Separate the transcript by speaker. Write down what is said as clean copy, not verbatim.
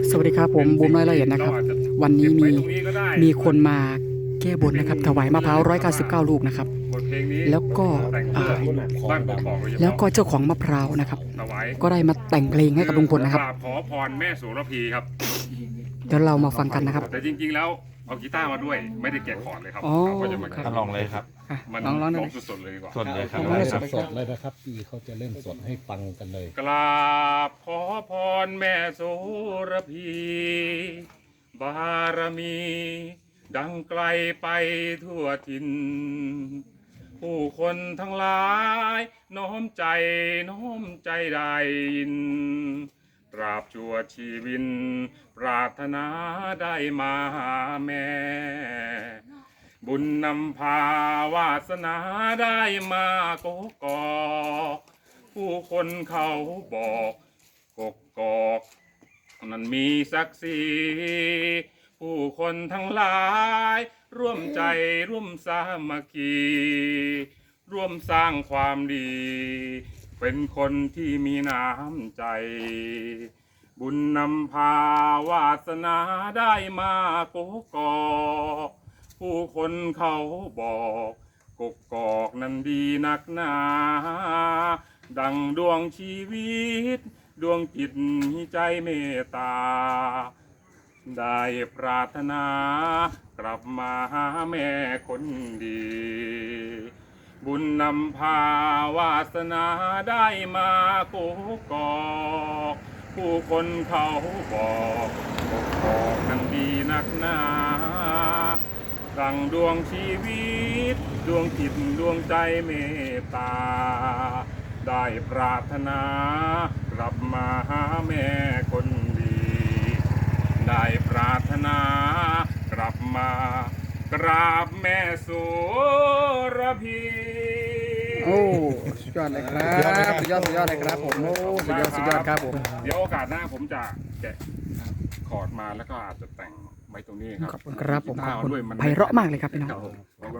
Speaker 1: สวัสดีครับผมบูมน้อยละเอียดนะครับวันนี้มีคนมาแก้บนนะครับถวายมะพร้าว199 ลูกนะครับแล้วก็เจ้าของมะพร้าวนะครับก็ได้มาแต่งเพลงให้กับลุงพลนะครับ
Speaker 2: ขอพรแม่โสระพีครับ
Speaker 1: เดี๋ยวเรามาฟังกันนะครับ
Speaker 2: แต่จริงๆแล้วเอากีตาร์มาด้วยไม่ได้แกะคอร์ดเลยครับก็จะมา
Speaker 3: ลองเลยครับ
Speaker 2: มันร้องสดๆเลยดีกว่า
Speaker 3: สดเลยครับ
Speaker 4: สดเลยนะครับพี่เขาจะเล่นสดให้ฟังกันเลย
Speaker 2: กราบขอพรแม่โสระพีบารมี ดังไกลไปทั่วถิ่นผู้คนทั้งหลายน้อมใจได้ยินตราบชั่วชีวิตปรารถนาได้มาหาแม่บุญนำพาวาสนาได้มาโกกอกผู้คนเขาบอกกกอกนั้นมีศักดิ์ศรีผู้คนทั้งหลายร่วมใจร่วมสามัคคีร่วมสร้างความดีเป็นคนที่มีน้ำใจบุญนำพาวาสนาได้มาโกกอกผู้คนเขาบอกกกอกนั้นดีนักหนาดังดวงชีวิตดวงจิตใจเมตตาได้ปรารถนากลับมาหาแม่คนดีบุญนำพาวาสนาได้มาโกกอกผู้คนเขาบอกกกอกนั้นดีนักหนาดังดวงชีวิตดวงจิตดวงใจเมตตาได้ปรารถนากลับมาหาแม่คนดีได้ปรารถนากลับมากราบแม่โสระพี
Speaker 1: โอ้สุดยอดเลยครับสุดยอดเลยครับผมโอ้สุดยอดครับผม
Speaker 2: เดี๋ยวโอกาสหน้าผมจะแกะคอร์ดมาแล้วก็อาจจะแต่งไว้ตรงนี้ครับ
Speaker 1: ขอบคุณครับผมไพเราะมากเลยครับพี่น้อง